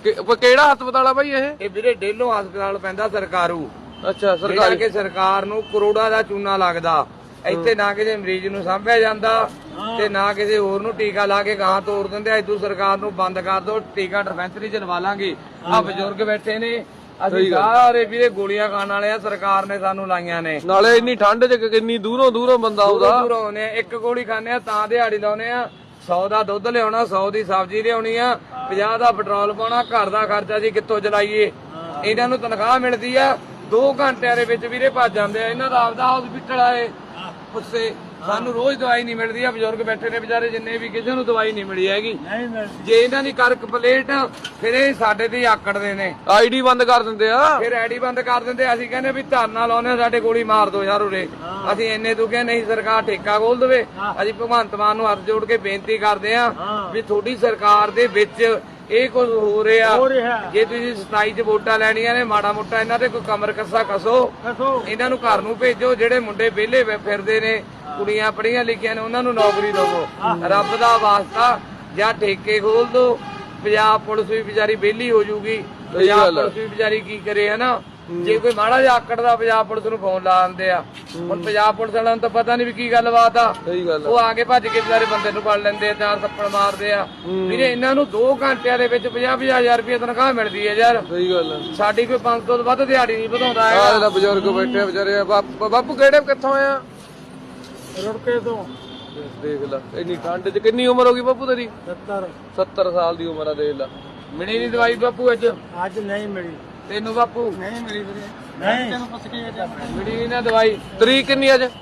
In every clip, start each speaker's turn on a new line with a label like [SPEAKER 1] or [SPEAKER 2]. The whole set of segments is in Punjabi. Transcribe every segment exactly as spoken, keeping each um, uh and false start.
[SPEAKER 1] ਕਿਹੜਾ ਹਸਪਤਾਲ ਆ ਬਾਈ ਇਹ?
[SPEAKER 2] ਇਹ ਵੀਰੇ ਡੇਲੋ ਹਸਪਤਾਲ ਪੈਂਦਾ ਸਰਕਾਰੂ।
[SPEAKER 1] ਅੱਛਾ ਸਰਕਾਰੀ।
[SPEAKER 2] ਕਿ ਸਰਕਾਰ ਨੂੰ ਕਰੋੜਾਂ ਦਾ ਚੂਨਾ ਲੱਗਦਾ। ਇੱਥੇ ਨਾ ਕਿਸੇ ਮਰੀਜ਼ ਨੂੰ ਸਾਂਭਿਆ ਜਾਂਦਾ ਤੇ ਨਾ ਕਿਸੇ ਹੋਰ ਨੂੰ ਟੀਕਾ ਲਾ ਕੇ ਗਾਂ ਤੋੜ ਦਿੰਦੇ। ਇਦੋਂ ਸਰਕਾਰ ਨੂੰ ਬੰਦ ਕਰ ਦੋ, ਟੀਕਾ ਡਿਸਪੈਂਸਰੀ ਚ ਲਵਾ ਲਾਂਗੇ। ਆ ਬਜ਼ੁਰਗ ਬੈਠੇ ਨੇ, ਅਸੀਂ ਸਾਰੇ ਵੀਰੇ ਗੋਲੀਆਂ ਖਾਣ ਵਾਲੇ ਆ, ਸਰਕਾਰ ਨੇ ਸਾਨੂੰ ਲਾਈਆਂ ਨੇ।
[SPEAKER 1] ਨਾਲੇ ਇੰਨੀ ਠੰਡ ਚ ਕਿੰਨੀ ਦੂਰੋਂ ਦੂਰੋਂ ਬੰਦਾ ਆਉਂਦਾ।
[SPEAKER 2] ਦੂਰੋਂ ਆਉਂਦੇ ਆ, ਇੱਕ ਗੋਲੀ ਖਾਂਦੇ ਆ ਤਾਂ ਦਿਹਾੜੀ ਲਾਉਨੇ ਆ। ਸੌ ਦਾ ਦੁੱਧ ਲਿਆਉਣਾ, ਸੌ ਦੀ ਸਬਜ਼ੀ ਲਿਆਉਣੀ ਆ, ਪੰਜਾਹ ਦਾ ਪੈਟਰੋਲ ਪਾਉਣਾ, ਘਰ ਦਾ ਖਰਚਾ ਜੀ ਕਿੱਥੋਂ ਚਲਾਈਏ। ਇਹਨਾਂ ਨੂੰ ਤਨਖਾਹ ਮਿਲਦੀ ਆ, ਦੋ ਘੰਟਿਆਂ ਦੇ ਵਿੱਚ ਵੀਰੇ ਭੱਜ ਜਾਂਦੇ ਆ। ਇਹਨਾਂ ਦਾ ਆਪਦਾ ਹਸਪੀਟਲ ਆਏ ਉਸੇ, ਸਾਨੂੰ ਰੋਜ਼ ਦਵਾਈ ਨਹੀਂ ਮਿਲਦੀ ਆ। ਬਜ਼ੁਰਗ ਬੈਠੇ ਨੇ ਵਿਚਾਰੇ ਜਿੰਨੇ ਵੀ, ਕਿਸੇ ਨੂੰ ਦਵਾਈ ਨਹੀਂ ਮਿਲੀ ਹੈਗੀ। ਜੇ ਇਹਨਾਂ ਦੀ ਕਰ ਕੰਪਲੇਂਟ ਫਿਰ ਇਹ ਸਾਡੇ ਤੇ ਆਕੜਦੇ ਨੇ,
[SPEAKER 1] ਆਈਡੀ ਬੰਦ ਕਰ ਦਿੰਦੇ ਆ।
[SPEAKER 2] ਫਿਰ ਆਈਡੀ ਬੰਦ ਕਰ ਦਿੰਦੇ। ਅਸੀਂ ਕਹਿੰਦੇ ਵੀ ਧਰਨਾ ਲਾਉਨੇ, ਸਾਡੇ ਗੋਲੀ ਮਾਰ ਦੋ ਯਾਰ ਉਰੇ। ਅਸੀਂ ਇੰਨੇ ਤੋਂ ਕਹਿੰਦੇ ਨਹੀਂ, ਸਰਕਾਰ ਠੇਕਾ ਖੋਲ ਦੇਵੇ। ਅਸੀਂ ਭਗਵੰਤ ਮਾਨ ਨੂੰ ਹੱਥ ਜੋੜ ਕੇ ਬੇਨਤੀ ਕਰਦੇ ਆ ਵੀ ਤੁਹਾਡੀ ਸਰਕਾਰ ਦੇ ਵਿੱਚ ਇਹ ਕੁਝ ਹੋ ਰਿਹਾ। ਜੇ ਤੁਸੀਂ ਸਤਾਈ ਚ ਵੋਟਾਂ ਲੈਣੀਆਂ ਨੇ, ਮਾੜਾ ਮੋਟਾ ਇਹਨਾਂ ਤੇ ਕੋਈ ਕਮਰ ਕੱਸਾ ਕਸੋ, ਇਹਨਾਂ ਨੂੰ ਘਰ ਨੂੰ ਭੇਜੋ। ਜਿਹੜੇ ਮੁੰਡੇ ਵਿਹਲੇ ਫਿਰਦੇ ਨੇ, ਕੁੜੀਆਂ ਪੜ੍ਹੀਆਂ ਲਿਖੀਆਂ ਨੇ, ਉਹਨਾਂ ਨੂੰ ਨੌਕਰੀ ਦਵੋ। ਰੱਬ ਦਾ ਵਾਸਤਾ ਜਾਂ ਠੇਕੇ ਖੋਲ ਦੋ। ਪੰਜਾਬ ਪੁਲਿਸ ਵੀ ਵਿਚਾਰੀ ਵਿਹਲੀ ਹੋ ਜੂਗੀ। ਪੰਜਾਬ ਪੁਲਿਸ ਵੀ ਵਿਚਾਰੀ ਕੀ ਕਰੇ ਹਨਾ। ਜੇ ਕੋਈ ਮਾੜਾ ਜਿਹਾ ਆਕੜਦਾ ਪੰਜਾਬ ਪੁਲਿਸ ਨੂੰ ਫੋਨ ਲਾ ਦਿੰਦੇ ਆ। ਹੁਣ ਪੰਜਾਬ ਪੁਲਿਸ ਵਾਲਿਆਂ ਨੂੰ ਤਾਂ ਪਤਾ ਨਹੀਂ ਵੀ ਕੀ ਗੱਲਬਾਤ ਆ। ਉਹ ਆ ਕੇ ਭੱਜ ਕੇ ਵਿਚਾਰੇ ਬੰਦੇ ਨੂੰ ਫੜ ਲੈਂਦੇ ਆ, ਚਾਰ ਥੱਪੜ ਮਾਰਦੇ ਆ। ਵੀਰੇ ਇਹਨਾਂ ਨੂੰ ਦੋ ਘੰਟਿਆਂ ਦੇ ਵਿੱਚ ਪੰਜਾਹ ਪੰਜਾਹ ਹਜ਼ਾਰ ਰੁਪਏ ਤਨਖਾਹ ਮਿਲਦੀ ਹੈ ਯਾਰ।
[SPEAKER 1] ਸਹੀ ਗੱਲ ਹੈ।
[SPEAKER 2] ਸਾਡੀ ਕੋਈ ਪੰਜ ਸੌ ਤੋਂ ਵੱਧ ਦਿਹਾੜੀ ਨਹੀਂ ਵਧਾਉਂਦਾ ਹੈਗਾ।
[SPEAKER 1] ਬਜ਼ੁਰਗ ਬੈਠੇ ਵਿਚਾਰੇ। ਬਾਪੂ ਕਿਹੜੇ ਕਿੱਥੋਂ ਆਇਆ?
[SPEAKER 2] ਰੁੜਕੇ ਤੋਂ।
[SPEAKER 1] ਦੇਖ ਲੈ ਇੰਨੀ ਠੰਡ ਚ। ਕਿੰਨੀ ਉਮਰ ਹੋ ਗਈ ਬਾਪੂ ਤੇਰੀ?
[SPEAKER 2] ਸੱਤਰ।
[SPEAKER 1] ਸੱਤਰ ਸਾਲ ਦੀ ਉਮਰ ਆ, ਦੇਖ ਲੈ।
[SPEAKER 2] ਮਿਲੀ ਨਹੀਂ ਦਵਾਈ ਬਾਪੂ ਅੱਜ?
[SPEAKER 3] ਅੱਜ ਨਹੀਂ ਮਿਲੀ।
[SPEAKER 2] ਤੈਨੂੰ ਬਾਪੂ?
[SPEAKER 3] ਨਹੀਂ ਮਿਲੀ ਵੀਰੇ। ਨਹੀਂ ਤੈਨੂੰ ਪੁੱਛ ਕੇ
[SPEAKER 2] ਮਿਲੀ ਨਹੀਂ ਨਾ ਦਵਾਈ।
[SPEAKER 1] ਤਰੀਕ ਕਿੰਨੀ ਅੱਜ?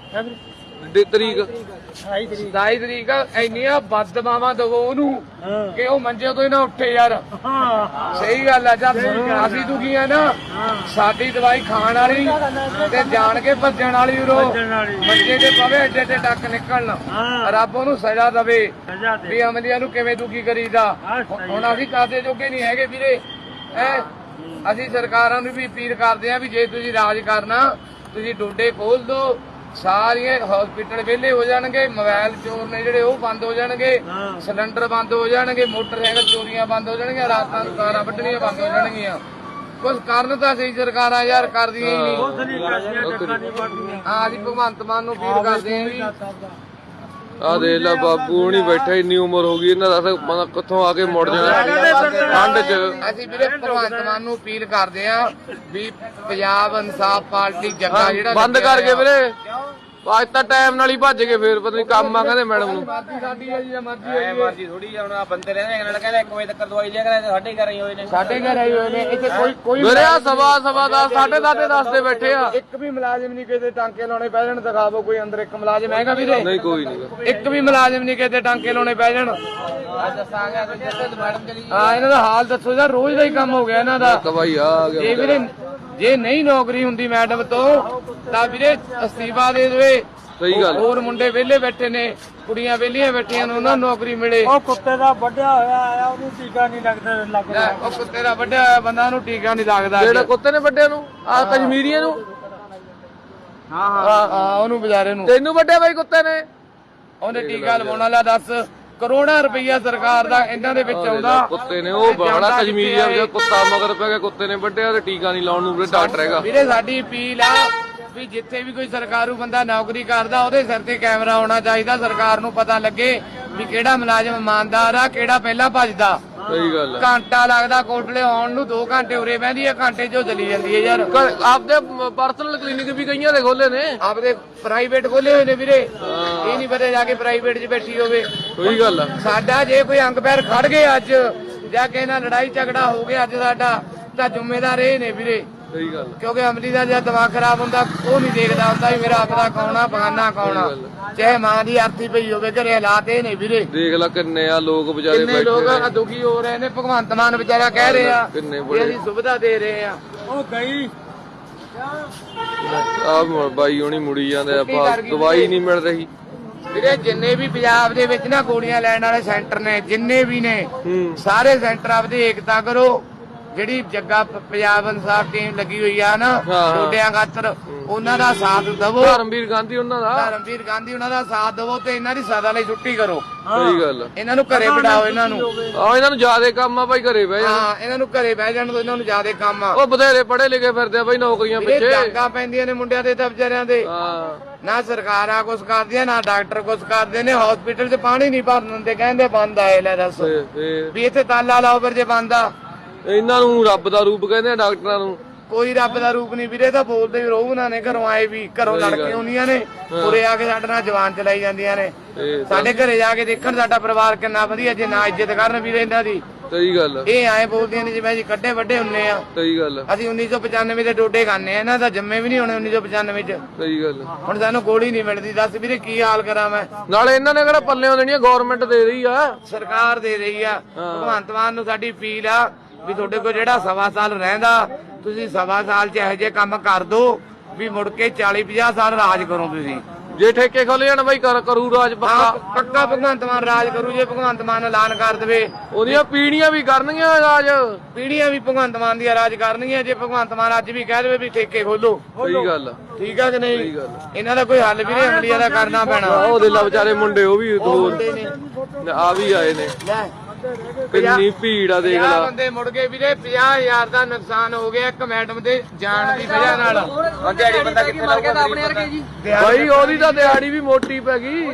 [SPEAKER 1] ਤਰੀਕ
[SPEAKER 2] ਸਤਾਈ ਤਰੀਕ। ਇੰਨੀਆਂ ਬਦਦੁਆਵਾਂ ਦਵੋ ਉਹਨੂੰ ਕਿ ਉਹ ਮੰਜੇ ਤੋਂ ਹੀ ਨਾ ਉੱਠੇ ਯਾਰ। ਸਹੀ ਗੱਲ ਆ। ਜਦ ਅਸੀਂ ਦੁਖੀ ਆ ਨਾ, ਸਾਡੀ ਦਵਾਈ ਖਾਣ ਵਾਲੀ ਤੇ ਜਾਣ ਕੇ ਭੱਜਣ ਵਾਲੀ ਉਰੋ ਮੰਜੇ ਤੇ ਪਵੇ, ਏਡੇ ਏਡੇ ਟੱਕ ਨਿਕਲਣ। ਰੱਬ ਉਹਨੂੰ ਸਜ਼ਾ ਦਵੇ ਵੀ ਅਮਲੀਆਂ ਨੂੰ ਕਿਵੇਂ ਦੁਖੀ ਕਰੀਦਾ। ਹੁਣ ਅਸੀਂ ਕਾਦੇ ਜੋਗੇ ਨਹੀਂ ਹੈਗੇ ਵੀਰੇ। ਐ ਅਸੀਂ ਸਰਕਾਰਾਂ ਨੂੰ ਵੀ ਅਪੀਲ ਕਰਦੇ ਆ ਵੀ ਜੇ ਤੁਸੀਂ ਰਾਜ ਕਰਨਾ, ਤੁਸੀਂ ਡੋਡੇ ਖੋਲ ਦੋ, ਸਾਰੀਆਂ ਹਸਪੀਟਲ ਵਿਹਲੇ ਹੋ ਜਾਣਗੇ, ਮੋਬਾਈਲ ਚੋਰ ਨੇ ਜਿਹੜੇ ਉਹ ਬੰਦ ਹੋ ਜਾਣਗੇ, ਸਿਲੰਡਰ ਬੰਦ ਹੋ ਜਾਣਗੇ, ਮੋਟਰਸਾਈਕਲ ਚੋਰੀਆਂ ਬੰਦ ਹੋ ਜਾਣਗੀਆਂ, ਰਾਤਾਂ ਨੂੰ ਕਾਰਾਂ ਵੱਢਣੀਆਂ ਬੰਦ ਹੋ ਜਾਣਗੀਆਂ। ਕੁਝ ਕਰਨ ਤਾਂ ਸਹੀ ਸਰਕਾਰਾਂ ਯਾਰ ਕਰਦੀਆਂ ਹੀ ਨਹੀਂ। ਹਾਂ ਅਸੀਂ ਭਗਵੰਤ ਮਾਨ ਨੂੰ ਅਪੀਲ ਕਰਦੇ ਆ ਵੀ
[SPEAKER 1] ਆ ਦੇਖ ਲੈ ਬਾਪੂ ਹੁਣੀ ਬੈਠੇ, ਇੰਨੀ ਉਮਰ ਹੋ ਗਈ ਇਹਨਾਂ ਦਾ, ਮਤਲਬ ਕਿੱਥੋਂ ਆ ਕੇ ਮੁੜ ਜਾਣਾ ਠੰਡ ਚ।
[SPEAKER 2] ਅਸੀਂ ਵੀਰੇ ਭਗਵੰਤ ਮਾਨ ਨੂੰ ਅਪੀਲ ਕਰਦੇ ਆ ਵੀ ਪੰਜਾਬ ਇਨਸਾਫ ਪਾਰਟੀ ਜੱਗਾ ਜਿਹੜਾ
[SPEAKER 1] ਬੰਦ ਕਰਕੇ ਵੀਰੇ। ਅੱਜ ਤਾਂ ਟਾਈਮ ਨਾਲ ਹੀ ਭੱਜ ਗਏ, ਫੇਰ ਪਤਾ ਨਹੀਂ ਕੰਮ ਆ ਕਹਿੰਦੇ ਮੈਡਮ ਨੂੰ।
[SPEAKER 2] ਸਾਡੀ ਹੈ ਜੀ, ਮਰਜ਼ੀ
[SPEAKER 3] ਮਰਜ਼ੀ ਥੋੜੀ ਹੁਣ ਆ ਬੰਦੇ ਰਹਿੰਦੇ ਨਾਲ ਕਹਿੰਦੇ ਇੱਕ ਵਜੇ ਤੱਕ ਦਵਾਈ ਲਿਆ ਕਰੇ। ਸਾਡੇ ਘਰ ਹੀ ਹੋਏ ਨੇ,
[SPEAKER 2] ਸਾਡੇ ਘਰ ਆਏ ਹੋਏ ਨੇ। ਇੱਥੇ ਕੋਈ ਕੋਈ
[SPEAKER 1] ਵੀਰੇ ਆ ਸਵਾ ਸਵਾ ਦਸ ਸਾਢੇ ਦਸ ਦਸ ਦੇ ਬੈਠੇ ਆ।
[SPEAKER 2] ਇੱਕ ਵੀ ਮੁਲਾਜ਼ਮ ਨਹੀਂ ਕਿਤੇ ਟਾਂਕੇ ਲਾਉਣੇ ਪੈ ਜਾਣ। ਦਿਖਾਵੋ ਕੋਈ ਅੰਦਰ ਇੱਕ ਮੁਲਾਜ਼ਮ ਹੈਗਾ ਵੀਰੇ?
[SPEAKER 1] ਨਹੀਂ ਕੋਈ ਨਹੀਂ।
[SPEAKER 2] ਇੱਕ ਵੀ ਮੁਲਾਜ਼ਮ ਨਹੀਂ ਕਿਤੇ ਟਾਂਕੇ ਲਾਉਣੇ ਪੈ ਜਾਣ। ਹਾਂ ਇਹਨਾਂ ਦਾ ਹਾਲ ਦੱਸੋ ਯਾਰ, ਰੋਜ਼ ਦਾ ਹੀ ਕੰਮ ਹੋ ਗਿਆ ਇਹਨਾਂ ਦਾ।
[SPEAKER 1] ਭਾਈ ਆ ਗਿਆ
[SPEAKER 2] ਜੇ ਵੀਰੇ ਜੇ ਨਹੀਂ ਨੌਕਰੀ ਹੁੰਦੀ ਮੈਡਮ ਤੋਂ ਤਾਂ ਵੀਰੇ ਅਸਤੀਫਾ ਦੇ ਦੇਵੇ।
[SPEAKER 1] ਸਹੀ ਗੱਲ।
[SPEAKER 2] ਹੋਰ ਮੁੰਡੇ ਵਿਹਲੇ ਬੈਠੇ ਨੇ, ਕੁੜੀਆਂ ਵਿਹਲੀਆਂ ਬੈਠੀਆਂ ਨੇ, ਉਹਨਾਂ ਨੂੰ ਨੌਕਰੀ ਮਿਲੇ।
[SPEAKER 3] ਉਹ ਕੁੱਤੇ ਦਾ ਵੱਢਿਆ ਹੋਇਆ ਆਇਆ, ਉਹਨੂੰ ਟੀਕਾ ਨਹੀਂ ਲੱਗਦਾ ਲੱਗਦਾ।
[SPEAKER 2] ਉਹ ਕੁੱਤੇ ਦਾ ਵੱਢਿਆ ਹੋਇਆ ਬੰਦਾ ਨੂੰ ਟੀਕਾ ਨਹੀਂ ਲੱਗਦਾ।
[SPEAKER 1] ਜਿਹੜਾ ਕੁੱਤੇ ਨੇ ਵੱਡਿਆਂ ਨੂੰ, ਆ ਕਸ਼ਮੀਰੀਆਂ ਨੂੰ।
[SPEAKER 2] ਹਾਂ ਹਾਂ ਹਾਂ ਉਹਨੂੰ ਵਿਚਾਰੇ ਨੂੰ।
[SPEAKER 1] ਤੈਨੂੰ ਵੱਡਿਆ ਬਾਈ ਕੁੱਤੇ ਨੇ?
[SPEAKER 2] ਉਹਨੇ ਟੀਕਾ ਲਵਾਉਣ ਵਾਲਾ ਦੱਸ ਕਰੋੜਾਂ ਰੁਪਈਆ ਸਰਕਾਰ ਦਾ ਇਹਨਾਂ ਦੇ ਵਿੱਚ ਆਉਂਦਾ।
[SPEAKER 1] ਕੁੱਤੇ ਨੇ ਉਹ ਬੜਾ ਕਸ਼ਮੀਰੀਆ ਜਿਹੜਾ ਕੁੱਤਾ ਮਗਰ ਪੈ ਗਿਆ, ਕੁੱਤੇ ਨੇ ਵੱਡਿਆ ਤੇ ਟੀਕਾ ਨਹੀਂ ਲਾਉਣ ਨੂੰ ਡਾਕਟਰ ਹੈਗਾ।
[SPEAKER 2] ਵੀਰੇ ਸਾਡੀ ਅਪੀਲ ਆ ਵੀ ਜਿੱਥੇ ਵੀ ਕੋਈ ਸਰਕਾਰੂ ਬੰਦਾ ਨੌਕਰੀ ਕਰਦਾ ਉਹਦੇ ਸਿਰ ਤੇ ਕੈਮਰਾ ਹੋਣਾ ਚਾਹੀਦਾ। ਸਰਕਾਰ ਨੂੰ ਪਤਾ ਲੱਗੇ ਵੀ ਕਿਹੜਾ ਮੁਲਾਜ਼ਮ ਇਮਾਨਦਾਰ ਆ, ਕਿਹੜਾ ਪਹਿਲਾਂ ਭੱਜਦਾ।
[SPEAKER 1] ਸਹੀ ਗੱਲ।
[SPEAKER 2] ਘੰਟਾ ਲੱਗਦਾ ਕੋਟਲੇ ਆਉਣ ਨੂੰ, ਦੋ ਘੰਟੇ ਉਰੇ ਬਹਿੰਦੀ ਆ, ਘੰਟੇ ਚੋਂ ਚਲੀ ਜਾਂਦੀ ਹੈ ਯਾਰ।
[SPEAKER 1] ਆਪਦੇ ਪਰਸਨਲ ਕਲੀਨਿਕ ਵੀ ਕਈਆਂ ਦੇ ਖੋਲੇ ਨੇ,
[SPEAKER 2] ਆਪਦੇ ਪ੍ਰਾਈਵੇਟ ਖੋਲੇ ਹੋਏ ਨੇ ਵੀਰੇ। ਇਹ ਨਹੀਂ ਪਤਾ ਜਾ ਕੇ ਪ੍ਰਾਈਵੇਟ 'ਚ ਬੈਠੀ ਹੋਵੇ।
[SPEAKER 1] ਸਹੀ ਗੱਲ ਆ।
[SPEAKER 2] ਸਾਡਾ ਜੇ ਕੋਈ ਅੰਗ ਪੈਰ ਖੜ ਗਏ ਅੱਜ, ਜਾਂ ਕਿਸੇ ਨਾਲ ਲੜਾਈ ਝਗੜਾ ਹੋ ਗਿਆ ਅੱਜ ਸਾਡਾ, ਤਾਂ ਜ਼ਿੰਮੇਦਾਰ ਇਹ ਨੇ ਵੀਰੇ।
[SPEAKER 1] ਸਹੀ ਗੱਲ।
[SPEAKER 2] ਕਿਉਂਕਿ ਅਮਲੀ ਦਾ ਜਦ ਦਿਮਾਗ ਖਰਾਬ ਹੁੰਦਾ ਉਹ ਨਹੀਂ ਦੇਖਦਾ ਹੁੰਦਾ ਵੀ ਮੇਰਾ ਆਪਦਾ ਕੌਣ ਆ, ਬਗਾਨਾ ਕੌਣ ਆ। ਚਾਹੇ ਮਾਂ ਦੀ ਆਰਤੀ ਪਈ ਹੋਵੇ, ਘਰੇ ਹਾਲਾਤ ਇਹ ਨੇ ਵੀਰੇ।
[SPEAKER 1] ਦੇਖ ਲੈ ਕਿੰਨੇ ਆ ਲੋਕ ਵਿਚਾਰੇ
[SPEAKER 2] ਕਿੰਨੇ ਲੋਕ ਦੁਖੀ ਹੋ ਰਹੇ ਨੇ। ਭਗਵੰਤ ਮਾਨ ਵਿਚਾਰਾ ਕਹਿ ਰਹੇ ਆ
[SPEAKER 1] ਕਿੰਨੇ
[SPEAKER 2] ਵੀ ਅਸੀਂ ਸੁਵਿਧਾ ਦੇ ਰਹੇ ਆ।
[SPEAKER 3] ਉਹ ਗਈ
[SPEAKER 1] ਆ ਬਾਈ ਹੁਣੀ ਮੁੜੀ ਜਾਂਦੇ ਆ, ਦਵਾਈ ਨਹੀਂ ਮਿਲ ਰਹੀ
[SPEAKER 2] ਵੀਰੇ। ਜਿੰਨੇ ਵੀ ਪੰਜਾਬ ਦੇ ਵਿੱਚ ਨਾ ਗੋਲੀਆਂ ਲੈਣ ਵਾਲੇ ਸੈਂਟਰ ਨੇ, ਜਿੰਨੇ ਵੀ ਨੇ, ਸਾਰੇ ਸੈਂਟਰ ਆਪਦੀ ਏਕਤਾ ਕਰੋ। ਜਿਹੜੀ ਜੱਗਾ ਪ- ਪੰਜਾਬ ਇਨਸਾਫ ਟੀਮ ਲੱਗੀ ਹੋਈ ਆ ਨਾ
[SPEAKER 1] ਹਾਂ।
[SPEAKER 2] ਡੋਡਿਆਂ ਖਾਤਰ ਉਹਨਾਂ ਦਾ ਸਾਥ ਦਵੋ।
[SPEAKER 1] ਧਰਮਵੀਰ ਗਾਂਧੀ ਉਹਨਾਂ ਦਾ
[SPEAKER 2] ਧਰਮਵੀਰ ਗਾਂਧੀ ਉਹਨਾਂ ਦਾ ਸਾਥ ਦਵੋ ਤੇ ਇਹਨਾਂ ਦੀ ਸਜ਼ਾ ਲਈ ਛੁੱਟੀ ਕਰੋ।
[SPEAKER 1] ਸਹੀ ਗੱਲ ਆ।
[SPEAKER 2] ਇਹਨਾਂ ਨੂੰ ਘਰੇ ਬਿਠਾਓ। ਇਹਨਾਂ ਨੂੰ
[SPEAKER 1] ਆ ਇਹਨਾਂ ਨੂੰ ਜ਼ਿਆਦੇ ਕੰਮ ਆ ਭਾਈ, ਘਰੇ ਬਹਿ ਜਾ।
[SPEAKER 2] ਹਾਂ ਇਹਨਾਂ ਨੂੰ ਘਰੇ ਬਹਿ ਜਾਣ ਤੋਂ ਇਹਨਾਂ ਨੂੰ ਜ਼ਿਆਦਾ ਕੰਮ ਆ।
[SPEAKER 1] ਉਹ ਬਥੇਰੇ ਪੜ੍ਹੇ ਲਿਖੇ ਫਿਰਦੇ ਆ ਭਾਈ ਨੌਕਰੀਆਂ
[SPEAKER 2] ਇਹ
[SPEAKER 1] ਪਿੱਛੇ।
[SPEAKER 2] ਡਾਂਗਾ ਪੈਂਦੀਆਂ ਨੇ ਮੁੰਡਿਆਂ ਦੇ ਤਾਂ ਵਿਚਾਰਿਆਂ ਦੇ।
[SPEAKER 1] ਹਾਂ
[SPEAKER 2] ਨਾ ਸਰਕਾਰਾਂ ਕੁਛ ਕਰਦੀਆਂ ਨਾ ਡਾਕਟਰ ਕੁਛ ਕਰਦੇ ਨੇ। ਹਸਪੀਟਲ 'ਚ ਪਾਣੀ ਨਹੀਂ ਭਰਨ ਦਿੰਦੇ, ਕਹਿੰਦੇ ਬੰਦ ਆਏ। ਲੈ ਦੱਸ
[SPEAKER 1] ਤੇ ਫੇਰ
[SPEAKER 2] ਵੀ ਇੱਥੇ ਤਾਲਾ ਲਾਓ ਫਿਰ ਜੇ ਬੰਦ ਆ।
[SPEAKER 1] ਇਹਨਾਂ ਨੂੰ ਰੱਬ ਦਾ ਰੂਪ ਕਹਿੰਦੇ ਆ ਡਾਕਟਰਾਂ ਨੂੰ।
[SPEAKER 2] ਕੋਈ ਰੱਬ ਦਾ ਰੂਪ ਨਹੀਂ ਵੀਰੇ, ਤਾਂ ਬੋਲਦੇ ਵੀ ਰਹੂ ਨਾ ਨੇ। ਘਰੋਂ ਆਏ ਵੀ ਘਰੋਂ ਲੜ ਕੇ ਆਉਂਦੀਆਂ ਨੇ, ਉਰੇ ਆ ਕੇ ਸਾਡੇ ਨਾਲ ਜਵਾਨ ਚਲਾਈ ਜਾਂਦੀਆਂ ਨੇ।
[SPEAKER 1] ਤੇ
[SPEAKER 2] ਸਾਡੇ ਘਰੇ ਜਾ ਕੇ ਦੇਖਣ ਸਾਡਾ ਪਰਿਵਾਰ ਕਿੰਨਾ ਵਧੀਆ, ਜੇ ਨਾ ਇੱਜ਼ਤ ਕਰਨ ਵੀਰੇ ਇਹਨਾਂ ਦੀ।
[SPEAKER 1] ਸਹੀ ਗੱਲ ਆ।
[SPEAKER 2] ਇਹ ਐਂ ਬੋਲਦੀਆਂ ਨੇ ਜਿਵੇਂ ਅਸੀਂ ਕੱਡੇ ਵੱਡੇ ਹੁੰਨੇ ਆ।
[SPEAKER 1] ਸਹੀ ਗੱਲ ਆ।
[SPEAKER 2] ਅਸੀਂ ਉੱਨੀ ਸੌ ਪਚਾਨਵੇਂ ਦੇ ਡੋਡੇ ਖਾਂਦੇ ਆ, ਇਹਨਾਂ ਦਾ ਜੰਮੇ ਵੀ ਨਹੀਂ ਹੋਣੇ ਉੱਨੀ ਸੌ ਪਚਾਨਵੇਂ ਚ।
[SPEAKER 1] ਸਹੀ ਗੱਲ ਆ।
[SPEAKER 2] ਹੁਣ ਸਾਨੂੰ ਗੋਲੀ ਨਹੀਂ ਮਿਲਦੀ। ਦੱਸ ਵੀਰੇ ਕੀ ਹਾਲ ਕਰਾਂ ਮੈਂ।
[SPEAKER 1] ਨਾਲੇ ਇਹਨਾਂ ਨੇ ਕਿਹੜਾ ਪੱਲਿਓਂ ਦੇਣੀਆਂ, ਗਵਰਨਮੈਂਟ ਦੇ ਰਹੀ ਆ।
[SPEAKER 2] ਸਰਕਾਰ ਦੇ ਰਹੀ ਆ। ਭਗਵੰਤ ਮਾਨ ਨੂੰ ਸਾਡੀ ਅਪੀਲ ਆ ਵੀ ਤੁਹਾਡੇ ਕੋਲ ਜਿਹੜਾ ਸਵਾ ਸਾਲ ਰਹਿੰਦਾ, ਤੁਸੀਂ ਸਵਾ ਸਾਲ ਚ ਇਹੋ ਜਿਹੇ ਕੰਮ ਕਰ ਦੋ ਵੀ ਮੁੜ ਕੇ ਚਾਲੀ ਪੰਜਾਹ ਸਾਲ ਰਾਜ ਕਰੋ ਤੁਸੀਂ।
[SPEAKER 1] ਜੇ ਠੇਕੇ ਖੋਲ ਜਾਣ ਬਾਈ ਕਰ ਕਰੂ ਰਾਜ
[SPEAKER 2] ਹਾਂ
[SPEAKER 1] ਪੱਕਾ।
[SPEAKER 2] ਪੱਕਾ ਭਗਵੰਤ ਮਾਨ ਰਾਜ ਕਰੂ। ਜੇ ਭਗਵੰਤ ਮਾਨ ਐਲਾਨ ਕਰ ਦੇਵੇ,
[SPEAKER 1] ਉਹਦੀਆਂ ਪੀੜੀਆਂ ਵੀ ਕਰਨਗੀਆਂ ਰਾਜ।
[SPEAKER 2] ਪੀੜੀਆਂ ਵੀ ਭਗਵੰਤ ਮਾਨ ਦੀਆਂ ਰਾਜ ਕਰਨਗੀਆਂ। ਜੇ ਭਗਵੰਤ ਮਾਨ ਅੱਜ ਵੀ ਕਹਿ ਦੇਵੇ ਵੀ ਠੇਕੇ ਖੋਲੋ,
[SPEAKER 1] ਸਹੀ ਗੱਲ ਆ।
[SPEAKER 2] ਠੀਕ ਆ ਕਿ ਨਹੀਂ?
[SPEAKER 1] ਸਹੀ ਗੱਲ ਆ।
[SPEAKER 2] ਇਹਨਾਂ ਦਾ ਕੋਈ ਹੱਲ ਵੀਰੇ ਅਮਲੀਆ ਦਾ ਕਰਨਾ ਪੈਣਾ।
[SPEAKER 1] ਉਹ ਦੇ ਲਾ ਵਿਚਾਰੇ ਮੁੰਡੇ, ਉਹ ਵੀ
[SPEAKER 2] ਉਹ ਮੁੰਡੇ ਨੇ
[SPEAKER 1] ਆ ਵੀ ਆਏ ਨੇ।
[SPEAKER 2] ਲੈ
[SPEAKER 1] ਕਿੰਨੀ ਭੀੜ ਆ ਦੇਖ
[SPEAKER 2] ਪੰਜਾਹ
[SPEAKER 1] ਲਾ।
[SPEAKER 2] ਬੰਦੇ ਮੁੜ ਗਏ ਵੀਰੇ। ਪੰਜਾਹ ਹਜ਼ਾਰ ਦਾ ਨੁਕਸਾਨ ਹੋ ਗਿਆ ਇੱਕ ਮੈਡਮ ਦੇ ਜਾਣ ਦੀ ਵਜ੍ਹਾ ਨਾਲ।
[SPEAKER 3] ਦਿਹਾੜੀ ਬੰਦਾ ਕਿੱਥੇ ਲਾਊਗਾ ਆਪਣੇ ਵਰਗੇ ਜੀ।
[SPEAKER 1] ਬਾਈ ਉਹਦੀ ਤਾਂ ਦਿਹਾੜੀ ਵੀ ਮੋਟੀ ਪੈ ਗਈ।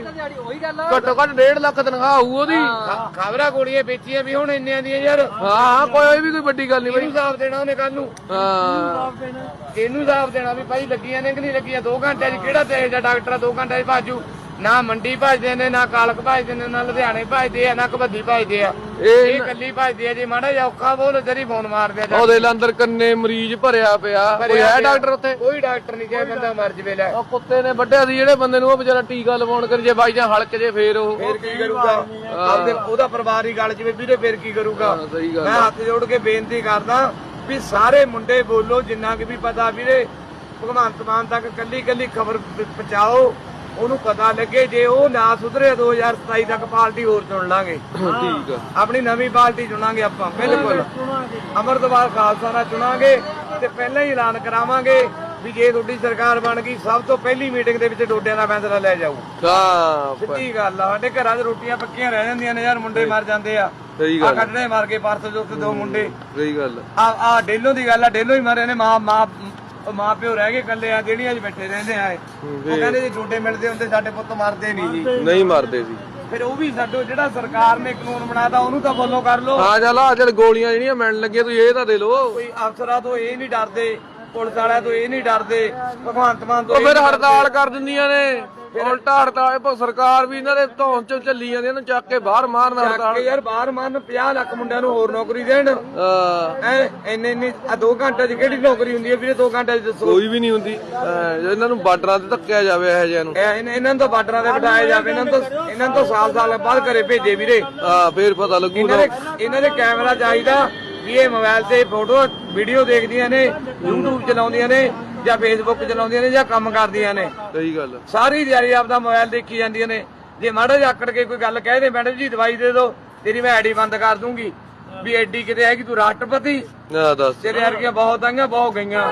[SPEAKER 1] ਘੱਟੋ ਘੱਟ ਡੇਢ ਲੱਖ ਤਨਖਾਹ ਹੋਊ ਉਹਦੀ।
[SPEAKER 2] ਖਬਰਾਂ ਗੋਲੀਆਂ ਵੇਚੀਆਂ ਵੀ ਹੁਣ ਇੰਨਿਆਂ ਦੀਆਂ ਯਾਰ।
[SPEAKER 1] ਹਾਂ ਕੋਈ ਵੀ ਕੋਈ ਵੱਡੀ ਗੱਲ ਨਹੀਂ ਬਾਈ।
[SPEAKER 2] ਇਹਨੂੰ ਹਿਸਾਬ ਦੇਣਾ ਉਹਨੇ ਕੱਲ ਨੂੰ।
[SPEAKER 1] ਹਾਂ
[SPEAKER 2] ਇਹਨੂੰ ਹਿਸਾਬ ਦੇਣਾ ਵੀ ਭਾਈ ਲੱਗੀਆਂ ਨੇ ਕਿ ਨਹੀਂ ਲੱਗੀਆਂ। ਦੋ ਘੰਟੇ 'ਚ ਕਿਹੜਾ ਤੇਜ ਦਾ ਡਾਕਟਰ ਆ ਦੋ ਘੰਟੇ 'ਚ ਭਾਜੂ। ਨਾ ਮੰਡੀ ਭਜਦੇ ਨੇ, ਨਾ ਕਾਲਕ ਭਜਦੇ ਨੇ, ਨਾ ਲੁਧਿਆਣੇ ਭਜਦੇ ਆ, ਨਾ ਕਬੱਦੀ ਭਜਦੇ ਆ।
[SPEAKER 1] ਇਹ
[SPEAKER 2] ਇਹ ਕੱਲੀ ਭਜਦੀ ਆ। ਜੇ ਮਾੜਾ ਜਿਹਾ ਔਖਾ ਬੋਲ ਤੇਰੀ ਫੋਨ ਮਾਰਦੇ ਆ।
[SPEAKER 1] ਉਹਦੇ ਅੰਦਰ ਕੰਨੇ ਮਰੀਜ਼ ਭਰਿਆ ਪਿਆ। ਕੋਈ ਹੈ ਡਾਕਟਰ ਉੱਥੇ?
[SPEAKER 2] ਕੋਈ ਡਾਕਟਰ ਨਹੀਂ, ਜੇ ਬੰਦਾ ਮਰ ਜਵੇ। ਲੈ
[SPEAKER 1] ਉਹ ਕੁੱਤੇ ਨੇ ਵੱਢਿਆ ਸੀ ਜਿਹੜੇ ਬੰਦੇ ਨੂੰ, ਉਹ ਵਿਚਾਰਾ ਟੀਕਾ ਲਵਾਉਣ ਕਰ ਜੇ ਬਾਈ ਜਾਂ ਹਲਕ ਜੇ ਫੇਰ ਉਹ
[SPEAKER 2] ਫੇਰ ਕੀ ਕਰੂਗਾ? ਆਪਦੇ ਉਹਦਾ ਪਰਿਵਾਰ ਹੀ ਗੱਲ ਜਵੇ ਵੀਰੇ, ਫੇਰ ਕੀ ਕਰੂਗਾ?
[SPEAKER 1] ਹਾਂ, ਸਹੀ ਗੱਲ
[SPEAKER 2] ਮੈਂ ਹੱਥ ਜੋੜ ਕੇ ਬੇਨਤੀ ਕਰਦਾ ਵੀ ਸਾਰੇ ਮੁੰਡੇ ਬੋਲੋ, ਜਿੰਨਾ ਕਿ ਵੀ ਪਤਾ ਵੀਰੇ। ਭਗਵੰਤ ਮਾਨ ਤੱਕ ਕੱਲੀ ਕੱਲੀ ਖਬਰ ਪਹੁੰਚਾਓ, ਉਹਨੂੰ ਪਤਾ ਲੱਗੇ। ਜੇ ਉਹ ਨਾ ਸੁਧਰੇ ਦੋ ਹਜ਼ਾਰ ਸਤਾਈ ਤੱਕ ਪਾਰਟੀ ਹੋਰ ਚੁਣ ਲਾਂਗੇ।
[SPEAKER 1] ਠੀਕ ਆ।
[SPEAKER 2] ਆਪਣੀ ਨਵੀਂ ਪਾਰਟੀ ਚੁਣਾਂਗੇ ਆਪਾਂ, ਬਿਲਕੁਲ ਅਮਰਦਵਾਰ ਖਾਲਸਾ ਨਾਲ ਚੁਣਾਂਗੇ। ਤੇ ਪਹਿਲਾਂ ਹੀ ਐਲਾਨ ਕਰਾਵਾਂਗੇ ਵੀ ਜੇ ਤੁਹਾਡੀ ਸਰਕਾਰ ਬਣ ਗਈ, ਸਭ ਤੋਂ ਪਹਿਲੀ ਮੀਟਿੰਗ ਦੇ ਵਿੱਚ ਡੋਡਿਆਂ ਦਾ ਫੈਸਲਾ ਲੈ ਜਾਊ।
[SPEAKER 1] ਹਾਂ
[SPEAKER 2] ਸਿੱਧੀ ਗੱਲ ਆ। ਸਾਡੇ ਘਰਾਂ 'ਚ ਰੋਟੀਆਂ ਪੱਕੀਆਂ ਰਹਿ ਜਾਂਦੀਆਂ ਨੇ ਯਾਰ, ਮੁੰਡੇ ਮਰ ਜਾਂਦੇ ਆ।
[SPEAKER 1] ਸਹੀ
[SPEAKER 2] ਆ
[SPEAKER 1] ਗੱਲ।
[SPEAKER 2] ਕੱਢਣੇ ਮਾਰ ਕੇ ਪਰਸੋਂ ਜੋ ਦੋ ਮੁੰਡੇ।
[SPEAKER 1] ਸਹੀ ਗੱਲ।
[SPEAKER 2] ਆ ਆ ਡੇਲੋਂ ਦੀ ਗੱਲ ਆ, ਡੇਲੋਂ ਹੀ ਮਰੇ ਨੇ। ਮਾਂ ਮਾਂ ਮਾਂ ਪਿਓ ਰਹਿ ਗਏ ਇਕੱਲੇ ਆ, ਜਿਹੜੀਆਂ 'ਚ ਬੈਠੇ ਰਹਿੰਦੇ ਆ। ਉਹ ਕਹਿੰਦੇ ਜੇ ਡੋਡੇ ਮਿਲਦੇ ਹੁੰਦੇ ਸਾਡੇ ਪੁੱਤ ਮਰਦੇ ਨਹੀਂ ਜੀ।
[SPEAKER 1] ਨਹੀਂ ਮਰਦੇ ਸੀ।
[SPEAKER 2] ਫਿਰ ਉਹ ਵੀ ਸਾਡੋ ਜਿਹੜਾ ਸਰਕਾਰ ਨੇ ਕਾਨੂੰਨ ਬਣਾਤਾ ਉਹਨੂੰ ਤਾਂ ਫੋਲੋ ਕਰ ਲਓ।
[SPEAKER 1] ਹਾਂ ਚੱਲ ਆ ਚੱਲ ਗੋਲੀਆਂ ਜਿਹੜੀਆਂ ਮਿਲਣ ਲੱਗੀਆਂ ਤੁਸੀਂ ਇਹ ਤਾਂ ਦੇ ਲਓ।
[SPEAKER 2] ਕੋਈ ਅਫਸਰਾਂ ਤੋਂ ਇਹ ਨਹੀਂ ਡਰਦੇ, ਪੁਲਿਸ ਵਾਲਿਆਂ ਤੋਂ ਇਹ ਨਹੀਂ ਡਰਦੇ, ਭਗਵੰਤ ਮਾਨ ਤੋਂ
[SPEAKER 1] ਉਹ
[SPEAKER 2] ਇਹ
[SPEAKER 1] ਫਿਰ
[SPEAKER 2] ਨਹੀਂ
[SPEAKER 1] ਹੜਤਾਲ ਕਰ ਦਿੰਦੀਆਂ ਨੇ। ਉਲਟਾ ਹੜਤਾਲ ਪਰ ਸਰਕਾਰ ਵੀ ਇਹਨਾਂ ਦੇ ਧੌਣ ਚੋਂ ਚੱਲੀ ਜਾਂਦੀ, ਇਹਨੂੰ ਚੱਕ ਕੇ ਬਾਹਰ ਮਾਰਨ
[SPEAKER 2] ਡਰਦੇ।
[SPEAKER 1] ਹੜਤਾਲ।
[SPEAKER 2] ਯਾਰ ਬਾਹਰ ਮੰਨ ਪੰਜਾਹ ਲੱਖ ਮੁੰਡਿਆਂ ਨੂੰ ਹੋਰ ਨੌਕਰੀ ਦੇਣ।
[SPEAKER 1] ਹਾਂ
[SPEAKER 2] ਐ ਇੰਨੇ ਇੰਨੇ ਆ ਦੋ ਘੰਟੇ 'ਚ ਕਿਹੜੀ ਨੌਕਰੀ ਹੁੰਦੀ ਹੈ ਵੀਰੇ? ਦੋ ਘੰਟੇ 'ਚ ਦੱਸੋ।
[SPEAKER 1] ਕੋਈ ਵੀ ਨਹੀਂ ਹੁੰਦੀ। ਹਾਂ, ਜੇ ਇਹਨਾਂ ਨੂੰ ਬਾਰਡਰਾਂ ਤੇ ਧੱਕਿਆ ਜਾਵੇ ਇਹੋ ਜਿਹਿਆਂ ਨੂੰ।
[SPEAKER 2] ਇਹ- ਇਹਨਾਂ ਇਹਨਾਂ ਨੂੰ ਤਾਂ ਬਾਰਡਰਾਂ ਤੇ ਬਿਠਾਇਆ ਜਾਵੇ। ਇਹਨਾਂ ਨੂੰ ਤਾਂ ਇਹਨਾਂ ਨੂੰ ਤਾਂ ਸਾਲ ਸਾਲ ਬਾਅਦ ਘਰੇ ਭੇਜੇ ਵੀਰੇ।
[SPEAKER 1] ਹਾਂ ਫੇਰ ਪਤਾ ਲੱਗੂ
[SPEAKER 2] ਇਹਨਾਂ
[SPEAKER 1] ਨਾ।
[SPEAKER 2] ਦੇ ਇਹਨਾਂ ਦੇ ਕੈਮਰਾ ਚਾਹੀਦਾ ਵੀ ਇਹ ਮੋਬਾਈਲ ਤੇ ਫੋਟੋ ਵੀਡੀਓ ਦੇਖਦੀਆਂ ਨੇ, YouTube ਚਲਾਉਂਦੀਆਂ ਨੇ ਜਾਂ ਫੇਸਬੁੱਕ ਚਲਾਉਂਦੀਆਂ ਨੇ ਜਾਂ ਕੰਮ ਕਰਦੀਆਂ ਨੇ।
[SPEAKER 1] ਸਹੀ ਗੱਲ।
[SPEAKER 2] ਸਾਰੀ ਦਿਹਾੜੀ ਆਪਦਾ ਮੋਬਾਈਲ ਦੇਖੀ ਜਾਂਦੀਆਂ ਨੇ। ਜੇ ਮਾੜਾ ਜਿਹਾ ਆਕੜ ਕੇ ਕੋਈ ਗੱਲ ਕਹਿ ਦੇ, ਮੈਡਮ ਜੀ ਦਵਾਈ ਦੇ ਦਿਓ, ਤੇਰੀ ਮੈਂ ਆਈਡੀ ਬੰਦ ਕਰ ਦੂੰਗੀ। ਵੀ ਐਡੀ ਕਿਤੇ ਹੈਗੀ ਤੂੰ ਰਾਸ਼ਟਰਪਤੀ?
[SPEAKER 1] ਨਾ ਦੱਸ।
[SPEAKER 2] ਤੇਰੇ ਵਰਗੀਆਂ ਬਹੁਤ ਆਈਆਂ, ਬਹੁਤ ਗਈਆਂ।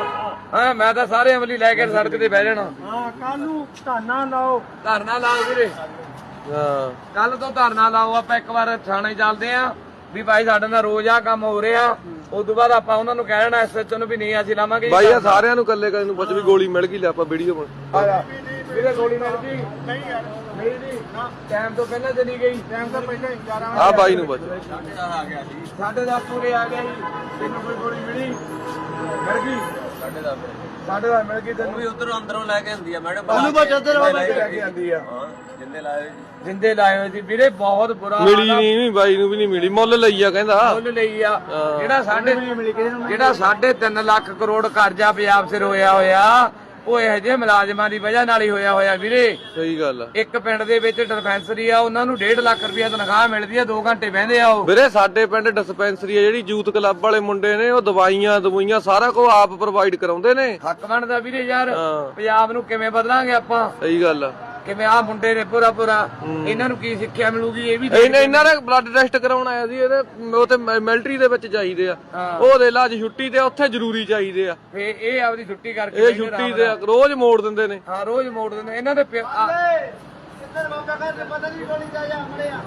[SPEAKER 2] ਹਾਂ ਮੈਂ ਤਾਂ ਸਾਰੇ ਅਮਲੀ ਲੈ ਕੇ ਸੜਕ ਤੇ ਬਹਿ ਜਾਣਾ।
[SPEAKER 4] ਹਾਂ ਕੱਲ ਨੂੰ ਧਾਨਾ ਲਾਓ।
[SPEAKER 2] ਧਰਨਾ ਲਾਓ ਵੀਰੇ,
[SPEAKER 1] ਹਾਂ
[SPEAKER 2] ਕੱਲ ਤੋਂ ਧਰਨਾ ਲਾਓ। ਆਪਾਂ ਇੱਕ ਵਾਰ ਥਾਣੇ ਚੱਲਦੇ ਆਂ ਵੀ ਭਾਈ ਸਾਡੇ ਨਾਲ ਰੋਜ਼ ਆ ਕੰਮ ਹੋ ਰਿਹਾ। ਉਸ ਤੋਂ ਬਾਅਦ ਆਪਾਂ ਉਹਨਾਂ ਨੂੰ ਕਹਿ ਦੇਣਾ ਐਸਐਚਓ ਨੂੰ ਵੀ ਨਹੀਂ ਅਸੀਂ ਲਾਵਾਂਗੇ।
[SPEAKER 1] ਬਾਈ ਆ ਸਾਰਿਆਂ ਨੂੰ ਕੱਲੇ ਕੱਲੇ ਨੂੰ ਪੁੱਛ ਵੀ ਗੋਲੀ ਮਿਲ ਗਈ, ਲੈ ਆਪਾਂ ਵੀਡੀਓ ਬਣ।
[SPEAKER 2] ਆ ਜਾ ਵੀਰੇ, ਗੋਲੀ ਮਿਲ ਗਈ? ਨਹੀਂ ਯਾਰ ਨਹੀਂ ਜੀ, ਟਾਈਮ ਤੋਂ ਪਹਿਲਾਂ ਚਲੀ ਗਈ। ਟਾਈਮ ਤੋਂ ਪਹਿਲਾਂ ਗਿਆਰਾਂ
[SPEAKER 1] ਆ ਬਾਈ ਨੂੰ ਪੁੱਛ।
[SPEAKER 2] ਸਾਢੇ ਦਸ ਪੂਰੇ ਆ ਗਿਆ ਜੀ। ਤੈਨੂੰ ਕੋਈ ਗੋਲੀ ਮਿਲੀ? ਮਿਲ ਗਈ ਸਾਢੇ ਦਸ ਸਾਢੇ ਦਸ ਮਿਲ ਗਈ ਤੈਨੂੰ?
[SPEAKER 3] ਵੀ ਉਧਰੋਂ ਅੰਦਰੋਂ ਲੈ ਕੇ ਆਉਂਦੀ ਆ ਮੈਡਮ।
[SPEAKER 4] ਉਹਨੂੰ ਬਸ ਇੱਧਰ
[SPEAKER 2] ਲੈ ਕੇ ਆਂਦੀ ਆ।
[SPEAKER 3] ਹਾਂ ਜਿੰਦੇ ਲਾਏ ਹੋਏ ਜੀ।
[SPEAKER 2] ਜਿੰਦੇ ਲਾਏ ਹੋਏ ਸੀ ਵੀਰੇ, ਬਹੁਤ ਬੁਰਾ
[SPEAKER 1] ਮਿਲੀ ਨਹੀਂ ਬਾਈ ਨੂੰ ਵੀ ਨਹੀਂ ਮਿਲੀ, ਮੁੱਲ ਲਈ ਆ ਕਹਿੰਦਾ।
[SPEAKER 2] ਮੁੱਲ ਲਈ ਆ। ਜਿਹੜਾ ਸਾਡੇ ਜਿਹੜਾ ਸਾਢੇ ਤਿੰਨ ਲੱਖ ਕਰੋੜ ਕਰਜ਼ਾ ਪੰਜਾਬ ਸਿਰ ਹੋਇਆ ਹੋਇਆ, ਉਹ ਇਹੋ ਜਿਹੇ ਮੁਲਾਜ਼ਮਾਂ ਦੀ ਵਜ੍ਹਾ ਨਾਲ ਹੀ ਹੋਇਆ ਹੋਇਆ ਵੀਰੇ।
[SPEAKER 1] ਸਹੀ ਗੱਲ ਆ।
[SPEAKER 2] ਇੱਕ ਪਿੰਡ ਦੇ ਵਿੱਚ ਡਿਸਪੈਂਸਰੀ ਆ, ਉਹਨਾਂ ਨੂੰ ਡੇਢ ਲੱਖ ਰੁਪਇਆ ਤਨਖਾਹ ਮਿਲਦੀ ਆ, ਦੋ ਘੰਟੇ ਬਹਿੰਦੇ ਆ ਉਹ।
[SPEAKER 1] ਵੀਰੇ ਸਾਡੇ ਪਿੰਡ ਡਿਸਪੈਂਸਰੀ ਆ ਜਿਹੜੀ ਯੂਥ ਕਲੱਬ ਵਾਲੇ ਮੁੰਡੇ ਨੇ, ਉਹ ਦਵਾਈਆਂ ਦਵਾਈਆਂ ਸਾਰਾ ਕੁਝ ਆਪ ਪ੍ਰੋਵਾਈਡ ਕਰਾਉਂਦੇ ਨੇ।
[SPEAKER 2] ਹੱਕ ਬਣਦਾ ਵੀਰੇ ਯਾਰ।
[SPEAKER 1] ਹਾਂ।
[SPEAKER 2] ਪੰਜਾਬ ਨੂੰ ਕਿਵੇਂ ਬਦਲਾਂਗੇ ਆਪਾਂ?
[SPEAKER 1] ਸਹੀ ਗੱਲ ਆ।
[SPEAKER 2] ਕਿਵੇਂ ਆ ਮੁੰਡੇ ਨੇ ਪੂਰਾ ਪੂਰਾ ਇਹਨਾਂ ਨੂੰ ਕੀ ਸਿੱਖਿਆ ਮਿਲੂਗੀ ਇਹ ਵੀ
[SPEAKER 1] ਇਹਨਾਂ ਇਹਨਾਂ ਦਾ ਬਲੱਡ ਟੈਸਟ ਕਰਾਉਣ ਆਇਆ ਸੀ ਇਹਦੇ ਉਹ ਤੇ ਮਿਲਟਰੀ ਦੇ ਵਿੱਚ ਚਾਹੀਦੇ ਆ ਉਹ ਦੇ ਲਾ ਅੱਜ ਛੁੱਟੀ ਤੇ ਉੱਥੇ ਜ਼ਰੂਰੀ ਚਾਹੀਦੇ ਆ
[SPEAKER 2] ਫੇ ਇਹ ਆਪਦੀ ਛੁੱਟੀ ਕਰਕੇ
[SPEAKER 1] ਇਹ ਛੁੱਟੀ ਤੇ ਰੋਜ਼ ਮੋੜ ਦਿੰਦੇ ਨੇ
[SPEAKER 2] ਹਾਂ ਰੋਜ਼ ਮੋੜ ਦਿੰਦੇ ਇਹਨਾਂ ਦੇ ਪਿ- ਆ-
[SPEAKER 4] ਇੱਧਰ ਬਾਬਾ ਕਹਿੰਦੇ ਪਤਾ ਨਹੀਂ ਗੋਲੀ ਜਾ ਜਾ ਮੜਿਆ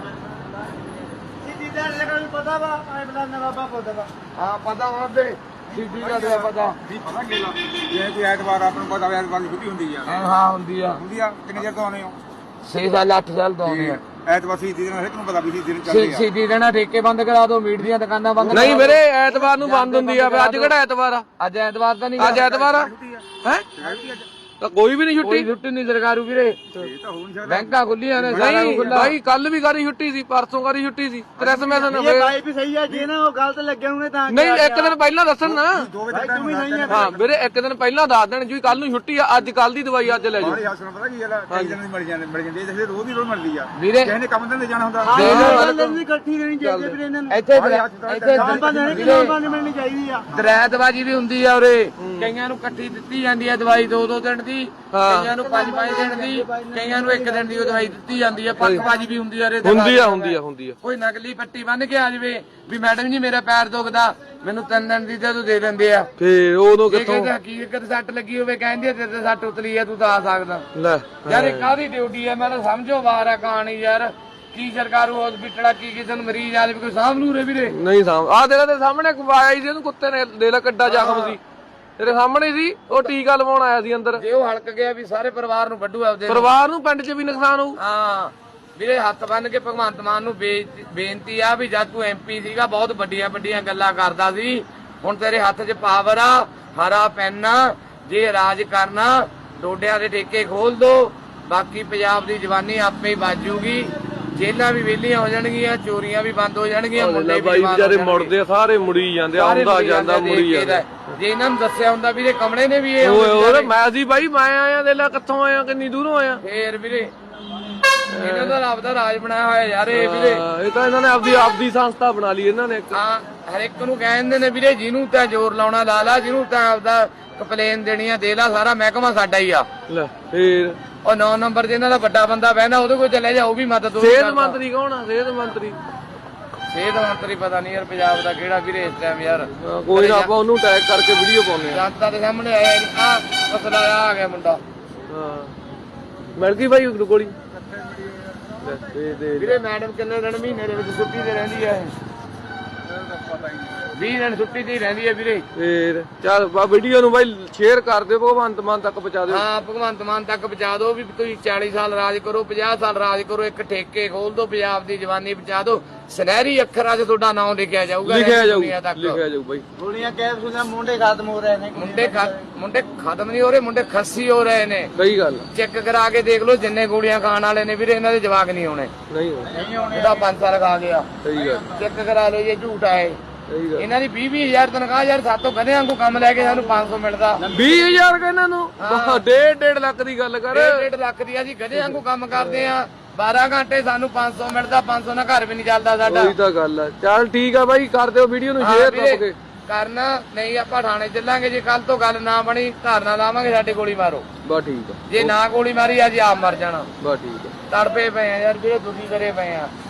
[SPEAKER 4] ਸਿੱਧੀ ਦਾ ਲਗਾ ਵੀ ਪਤਾ ਵਾ ਆਏ ਬਲਾ ਨਾ ਬਾਬਾ ਪਤਾ ਵਾ
[SPEAKER 2] ਹਾਂ ਪਤਾ ਹੁੰਦੇ ਸਿੱਧੀ ਦਾ ਤਾਂ ਪਤਾ
[SPEAKER 3] ਵੀ ਪਤਾ ਕੀ ਲਾ ਜੇ ਕੋਈ ਐਤਵਾਰ ਆਪਾਂ ਨੂੰ ਪਤਾ ਵੀ ਐਤਵਾਰ ਦੀ ਛੁੱਟੀ ਹੁੰਦੀ ਆ
[SPEAKER 2] ਹਾਂ ਹਾਂ ਹੁੰਦੀ ਆ
[SPEAKER 3] ਹੁੰਦੀ ਆ ਕਿੰਨੇ ਚਿਰ ਤੋਂ ਆਉਂਦੇ ਹੋ
[SPEAKER 2] ਛੇ ਸਾਲ ਅੱਠ ਸਾਲ ਤੋਂ ਆਉਂਦੇ ਆ
[SPEAKER 3] ਐਤਵਾਰ ਸੀ ਦਿਨ ਹਰੇਕ ਨੂੰ ਪਤਾ ਵੀ ਸੀ ਦਿਨ ਚੱਲਦੇ ਆ
[SPEAKER 2] ਸਿੱਧੀ ਦੇਣਾ ਠੇਕੇ ਬੰਦ ਕਰਾ ਦਿਓ ਮੀਟ ਦੀਆਂ ਦੁਕਾਨਾਂ ਬੰਦ
[SPEAKER 1] ਨਹੀਂ ਵੀਰੇ ਐਤਵਾਰ ਨੂੰ ਬੰਦ ਹੁੰਦੀ ਆ ਵੀ ਅੱਜ ਕਿਹੜਾ ਐਤਵਾਰ ਆ
[SPEAKER 2] ਅੱਜ ਐਤਵਾਰ ਤਾਂ ਨਹੀਂ
[SPEAKER 1] ਅੱਜ ਐਤਵਾਰ ਆ ਹੈ ਤਾਂ ਕੋਈ ਵੀ ਨਹੀਂ
[SPEAKER 2] ਕੋਈ
[SPEAKER 1] ਛੁੱਟੀ
[SPEAKER 2] ਛੁੱਟੀ ਨਹੀਂ ਸਰਕਾਰੂ ਵੀਰੇ
[SPEAKER 3] ਇਹ ਤਾਂ ਹੋ ਨਹੀਂ ਸਕਦਾ
[SPEAKER 2] ਬੈਂਕਾਂ ਖੁੱਲੀਆਂ ਨੇ ਸਾਰਾ
[SPEAKER 1] ਨਹੀਂ ਭਾਈ ਕੱਲ ਵੀ ਕਰੀ ਛੁੱਟੀ ਸੀ ਪਰਸੋਂ ਕਰੀ ਛੁੱਟੀ ਸੀ ਕ੍ਰਿਸਮਸ ਨੂੰ
[SPEAKER 4] ਇਹ ਭਾਈ ਵੀ ਸਹੀ ਆ ਜੇ ਨਾ ਉਹ ਗਲਤ ਲੱਗੇ ਹੋਣੇ ਤਾਂ
[SPEAKER 1] ਨਹੀਂ ਇੱਕ ਦਿਨ ਪਹਿਲਾਂ ਦੱਸਣ ਨਾ
[SPEAKER 3] ਦੋ ਵਜੇ ਤੱਕ
[SPEAKER 4] ਤੂੰ ਵੀ ਸਹੀ ਆ
[SPEAKER 1] ਹਾਂ ਵੀਰੇ ਇੱਕ ਦਿਨ ਪਹਿਲਾਂ ਦੱਸ ਦੇਣ ਜੀ ਕੱਲ ਨੂੰ ਛੁੱਟੀ ਆ ਅੱਜ ਕੱਲ ਦੀ ਦਵਾਈ ਅੱਜ ਲੈ ਜਾਓ
[SPEAKER 3] ਬਾਹਰੀ ਹਸਪਤਾਲ ਪਤਾ ਕੀ ਗੱਲ ਆ ਕਈ ਦਿਨ ਦੀ ਮਿਲ ਜਾਂਦੇ ਮਿਲ ਜਾਂਦੀ ਇਹ ਰੋਜ਼ ਦੀ ਰੋਜ਼ ਮਿਲਦੀ ਆ
[SPEAKER 2] ਵੀਰੇ
[SPEAKER 3] ਕਿਸੇ ਨੇ ਕੰਮ ਤੇ ਜਾਣਾ ਹੁੰਦਾ
[SPEAKER 4] ਗੱਲ ਨਹੀਂ ਇਕੱਠੀ ਰਹਿਣੀ ਚਾਹੀਦੀ ਵੀਰੇ ਇਹਨਾਂ ਨੂੰ
[SPEAKER 2] ਇੱਥੇ ਇੱਥੇ
[SPEAKER 4] ਆਪਾਂ ਨੇ ਕਿ ਆਪਾਂ ਨੇ ਮਿਲਣੀ ਚਾਹੀਦੀ ਆ
[SPEAKER 2] ਦਰੈਤਬਾਜੀ ਵੀ ਹੁੰਦੀ ਆ ਉਰੇ ਕਈਆਂ ਨੂੰ ਇਕੱਠੀ ਦਿੱਤੀ ਜਾਂਦੀ ਆ ਦਵਾਈ ਦੋ ਦੋ ਦਿਨ ਦੀ ਕਈਆਂ ਨੂੰ ਪੰਜ ਪੰਜ ਦਿਨ ਦੀ ਕਈਆਂ ਨੂੰ ਇੱਕ ਦਿਨ ਦੀ ਉਹ ਦਵਾਈ ਦਿੱਤੀ ਜਾਂਦੀ ਆ ਪੱਕਬਾਜੀ ਵੀ ਹੁੰਦੀ ਆ ਉਰੇ
[SPEAKER 1] ਹੁੰਦੀ ਆ ਹੁੰਦੀ ਆ ਹੁੰਦੀ ਆ
[SPEAKER 2] ਕੋਈ ਨਕਲੀ ਪੱਟੀ ਬੰਨ ਕੇ ਆ ਜਾਵੇ ਵੀ ਮੈਡਮ ਜੀ ਮੇਰਾ ਪੈਰ ਦੁਖਦਾ ਮੈਨੂੰ ਤਿੰਨ ਦਿਨ ਦੀ ਤੇ ਤੂੰ ਦੇ ਦਿੰਦੇ ਆ
[SPEAKER 1] ਫੇਰ ਉਦੋਂ
[SPEAKER 2] ਜੇ
[SPEAKER 1] ਕਿੱਥੋਂ
[SPEAKER 2] ਕਹਿੰਦੇ ਹਕੀਕਤ ਸੱਟ ਲੱਗੀ ਹੋਵੇ ਕਹਿੰਦੇ ਆ, ਤੇਰੇ ਤੇ ਸੱਟ ਉਤਲੀ ਆ ਤੂੰ ਤਾਂ ਆ ਸਕਦਾ
[SPEAKER 1] ਲੈ
[SPEAKER 2] ਯਾਰ ਇਹ ਕਾਹਦੀ ਡਿਊਟੀ ਆ ਮੈਂ ਤਾਂ ਸਮਝੋ ਵਾਰ ਆ ਕਹਾਣੀ ਯਾਰ ਕੀ ਸਰਕਾਰੂ ਹਸਪੀਟਲ ਆ ਕੀ ਕਿਸੇ ਨੂੰ ਮਰੀਜ਼ ਆ ਜਾਵੇ ਕੋਈ ਸਾਂਭ ਲੂ ਰੇ ਵੀਰੇ
[SPEAKER 1] ਨਹੀਂ ਸਾਮ ਆ ਤੇਰਾ ਤੇ ਸਾਹਮਣੇ ਆਇਆ ਸੀ ਉਹਨੂੰ ਕੁੱਤੇ ਨੇ ਦੇ ਲਾ ਕੱਡਾ ਜ਼ਖਮ ਸੀ ਤੇਰੇ ਸਾਹਮਣੇ ਸੀ ਉਹ ਟੀਕਾ ਲਵਾਉਣ ਆਇਆ ਸੀ ਅੰਦਰ
[SPEAKER 2] ਜੇ ਉਹ ਹਲਕ ਗਿਆ ਵੀ ਸਾਰੇ ਪਰਿਵਾਰ ਨੂੰ ਵੱਢੂ ਆਪਦੇ ਨੂੰ।
[SPEAKER 1] ਪਰਿਵਾਰ ਨੂੰ ਪਿੰਡ 'ਚ ਵੀ ਨੁਕਸਾਨ ਹੋਊ
[SPEAKER 2] ਹਾਂ ਵੀਰੇ ਹੱਥ ਬੰਨ ਕੇ ਭਗਵੰਤ ਮਾਨ ਨੂੰ ਬੇ- ਬੇਨਤੀ ਆ ਵੀ ਜਦ ਤੂੰ ਐਮਪੀ ਸੀਗਾ ਬਹੁਤ ਵੱਡੀਆਂ ਵੱਡੀਆਂ ਗੱਲਾਂ ਕਰਦਾ ਸੀ ਹੁਣ ਤੇਰੇ ਹੱਥ 'ਚ ਪਾਵਰ ਆ ਹਰਾ ਪੈਨ ਆ ਜੇ ਰਾਜ ਕਰਨਾ ਡੋਡਿਆਂ ਦੇ ਠੇਕੇ ਖੋਲ ਦੋ ਬਾਕੀ ਪੰਜਾਬ ਦੀ ਜਵਾਨੀ ਆਪੇ ਹੀ ਬਾਜੂਗੀ ਜੇਲਾਂ ਵੀ ਵਿਹਲੀਆਂ ਹੋ ਜਾਣਗੀਆਂ ਚੋਰੀਆਂ ਵੀ ਬੰਦ ਹੋ ਜਾਣਗੀਆਂ ਮੁੰਡੇ ਵੀ
[SPEAKER 1] ਬਾਈ
[SPEAKER 2] ਜਵਾਨ ਹੋ
[SPEAKER 1] ਵਿਚਾਰੇ
[SPEAKER 2] ਜਾਣਗੇ।
[SPEAKER 1] ਮੁੜਦੇ ਆ ਸਾਰੇ ਮੁੜੀ ਜਾਂਦੇ ਆ,
[SPEAKER 2] ਸਾਰੇ
[SPEAKER 1] ਆਉਂਦਾ
[SPEAKER 2] ਮੁੜੀ
[SPEAKER 1] ਜਾਂਦਾ
[SPEAKER 2] ਜਾਂਦੇ
[SPEAKER 1] ਮੁੜੀ
[SPEAKER 2] ਦੇਖ ਕੇ
[SPEAKER 1] ਜਾਂਦਾ
[SPEAKER 2] ਤਾਂ। ਜੇ ਇਹਨਾਂ ਨੂੰ ਦੱਸਿਆ ਹੁੰਦਾ ਵੀਰੇ ਕਮਲੇ ਨੇ ਵੀ ਇਹ
[SPEAKER 1] ਓਏ
[SPEAKER 2] ਹੁੰਦੇ
[SPEAKER 1] ਓਏ
[SPEAKER 2] ਵਿਚਾਰੇ।
[SPEAKER 1] ਮੈਂ ਸੀ ਬਾਈ ਮੈਂ ਆਇਆ ਦੇ ਲੈ ਕਿੱਥੋਂ ਆਇਆ ਕਿੰਨੀ ਦੂਰੋਂ ਆਇਆ
[SPEAKER 2] ਫੇਰ ਵੀਰੇ ਇਹਨਾਂ ਦਾ ਰੱਬ ਦਾ ਰਾਜ ਬਣਾਇਆ ਹੋਇਆ ਯਾਰ ਇਹ ਵੀਰੇ
[SPEAKER 1] ਹਾਂ, ਇਹ ਤਾਂ ਇਹਨਾਂ ਨੇ ਆਪਦੀ ਆਪਦੀ ਸੰਸਥਾ ਬਣਾ ਲਈ ਇਹਨਾਂ ਨੇ ਇੱਕ
[SPEAKER 2] ਹਾਂ ਹਰ ਇੱਕ ਨੂੰ ਕਹਿੰਦੇ ਨੇ ਵੀਰੇ ਜਿਹਨੂੰ ਤਾਂ ਜ਼ੋਰ ਲਾਉਣਾ ਲਾ ਲਾ ਜਿਹਨੂੰ ਤਾਂ ਆਪਦਾ ਕੰਪਲੇਨ ਦੇਣੀ ਆ ਦੇ ਲਾ ਸਾਰਾ ਮਹਿਕਮਾ ਸਾਡਾ ਹੀ ਆ
[SPEAKER 1] ਲੈ ਫੇਰ
[SPEAKER 2] ਉਹ ਨੌ ਨੰਬਰ ਤੇ ਇਹਨਾਂ ਦਾ ਵੱਡਾ ਬੰਦਾ ਬਹਿੰਦਾ ਉਹਦੇ ਕੋਲ ਚਲੇ ਜਾ ਉਹ ਵੀ ਮਦਦ ਉਹ ਵੀ
[SPEAKER 1] ਸਿਹਤ
[SPEAKER 2] ਕਰਦਾ।
[SPEAKER 1] ਮੰਤਰੀ ਕੌਣ ਆ ਸਿਹਤ ਮੰਤਰੀ
[SPEAKER 2] ਸਿਹਤ ਮੰਤਰੀ ਪਤਾ ਨਹੀਂ ਯਾਰ ਪੰਜਾਬ ਦਾ ਕਿਹੜਾ ਵੀਰੇ ਇਸ ਟਾਈਮ ਯਾਰ
[SPEAKER 1] ਹਾਂ, ਕੋਈ ਨਾ ਆਪਾਂ ਉਹਨੂੰ ਟੈਗ ਕਰਕੇ ਵੀਡੀਓ ਪਾਉਂਦੇ ਆ
[SPEAKER 2] ਜਨਤਾ ਦੇ ਸਾਹਮਣੇ ਆਇਆ ਆ ਮਸਲਾ ਆ ਗਿਆ ਮੁੰਡਾ
[SPEAKER 1] ਹਾਂ ਮਿਲ ਗਈ ਬਾਈ ਗੋਲੀ ਲੈ, ਦੇ ਦੇ
[SPEAKER 2] ਵੀਰੇ ਮੈਡਮ ਕਿੰਨੇ ਦਿਨ ਮਹੀਨੇ ਦੇ ਵਿੱਚ ਛੁੱਟੀ ਤੇ ਰਹਿੰਦੀ ਹੈ ਵੀਹ ਦਿਨ ਛੁੱਟੀ ਤੇ ਹੀ ਰਹਿੰਦੀ ਹੈ ਵੀਰੇ
[SPEAKER 1] ਫੇਰ ਚੱਲ ਬਾ ਵੀਡੀਓ ਨੂੰ ਬਾਈ ਸ਼ੇਅਰ ਕਰ ਦਿਓ ਭਗਵੰਤ ਮਾਨ ਤੱਕ ਪਹੁੰਚਾ ਦਿਓ
[SPEAKER 2] ਹਾਂ ਭਗਵੰਤ ਮਾਨ ਤੱਕ ਪਹੁੰਚਾ ਦਿਓ ਵੀ ਤੁਸੀਂ ਚਾਲੀ ਸਾਲ ਰਾਜ ਕਰੋ ਪੰਜਾਹ ਸਾਲ ਰਾਜ ਕਰੋ ਇੱਕ ਠੇਕੇ ਖੋਲ ਦਿਓ ਪੰਜਾਬ ਦੀ ਜਵਾਨੀ ਬਚਾ ਦਿਓ ਸੁਨਹਿਰੀ ਅੱਖਰਾਂ 'ਚ ਤੁਹਾਡਾ ਨਾਮ ਲਿਖਿਆ ਜਾਊਗਾ
[SPEAKER 1] ਲਿਖਿਆ ਜਾਊ
[SPEAKER 2] ਦੁਨੀਆ ਤੱਕ।
[SPEAKER 1] ਲਿਖਿਆ ਜਾਊ ਬਾਈ
[SPEAKER 4] ਗੋਲੀਆਂ ਕੈਪਸੂਲਾਂ ਮੁੰਡੇ ਖਤਮ ਹੋ ਰਹੇ ਨੇ
[SPEAKER 2] ਮੁੰਡੇ ਖਤ- ਮੁੰਡੇ ਖਤਮ ਨਹੀਂ ਹੋ ਰਹੇ ਮੁੰਡੇ ਖੱਸੀ ਹੋ ਰਹੇ ਨੇ
[SPEAKER 1] ਸਹੀ ਗੱਲ
[SPEAKER 2] ਚੈੱਕ ਕਰਾ ਕੇ ਦੇਖ ਲਓ ਜਿੰਨੇ ਗੋਲੀਆਂ ਖਾਣ ਵਾਲੇ ਨੇ ਵੀਰੇ ਇਹਨਾਂ ਦੇ ਜਵਾਕ ਨਹੀਂ ਹੋਣੇ
[SPEAKER 1] ਨਹੀਂ ਹੋਣਾ।
[SPEAKER 2] ਇਹਦਾ ਪੰਜ ਸਾਲ ਖਾ ਗਿਆ
[SPEAKER 1] ਸਹੀ ਗੱਲ
[SPEAKER 2] ਚੈੱਕ ਕਰਾ ਲਓ ਇਹ ਝੂਠ ਆਏ
[SPEAKER 1] ਸਹੀ ਗੱਲ
[SPEAKER 2] ਇਹਨਾਂ ਦੀ ਵੀਹ ਵੀਹ ਹਜ਼ਾਰ ਤਨਖਾਹ ਯਾਰ ਸਾਤੋਂ ਕਦੇ ਵਾਂਗੂ ਕੰਮ ਲੈ ਕੇ ਸਾਨੂੰ ਪੰਜ ਸੌ ਮਿਲਦਾ
[SPEAKER 1] ਵੀਹ ਹਜ਼ਾਰ ਕਿ ਇਹਨਾਂ ਨੂੰ ਡੇਢ ਡੇਢ ਲੱਖ ਦੀ ਗੱਲ ਕਰ
[SPEAKER 2] ਡੇਢ ਡੇਢ ਲੱਖ ਦੀ ਅਸੀਂ ਗਧੇ ਵਾਂਗੂ ਕੰਮ ਕਰਦੇ ਆ ਬਾਰਾਂ ਘੰਟੇ ਸਾਨੂੰ ਪੰਜ ਸੌ ਮਿਲਦਾ ਪੰਜ ਸੌ ਨਾਲ ਘਰ ਵੀ ਨਹੀਂ ਚੱਲਦਾ ਸਾਡਾ
[SPEAKER 1] ਉਹੀ ਤਾਂ ਗੱਲ ਆ ਚੱਲ ਠੀਕ ਆ ਬਾਈ ਕਰ ਦਿਓ ਵੀਡੀਓ ਨੂੰ
[SPEAKER 2] ਹਾਂ
[SPEAKER 1] ਸ਼ੇਅਰ
[SPEAKER 2] ਵੀਰੇ,
[SPEAKER 1] ਦੱਬ ਕੇ
[SPEAKER 2] ਕਰਨਾ ਨਹੀਂ ਆਪਾਂ ਥਾਣੇ ਚੱਲਾਂਗੇ ਜੇ ਕੱਲ ਤੋਂ ਗੱਲ ਨਾ ਬਣੀ ਧਰਨਾ ਲਾਵਾਂਗੇ ਸਾਡੇ ਗੋਲੀ ਮਾਰੋ
[SPEAKER 1] ਬਾ ਠੀਕ ਆ
[SPEAKER 2] ਜੇ ਨਾ ਗੋਲੀ ਮਾਰੀ ਅੱਜ ਆਪ ਮਰ ਜਾਣਾ
[SPEAKER 1] ਬਾ ਠੀਕ ਆ
[SPEAKER 2] ਤੜਪੇ ਪਏ ਆ ਯਾਰ ਵੀਰੇ ਦੁਖੀ ਕਰੇ ਪਏ ਆ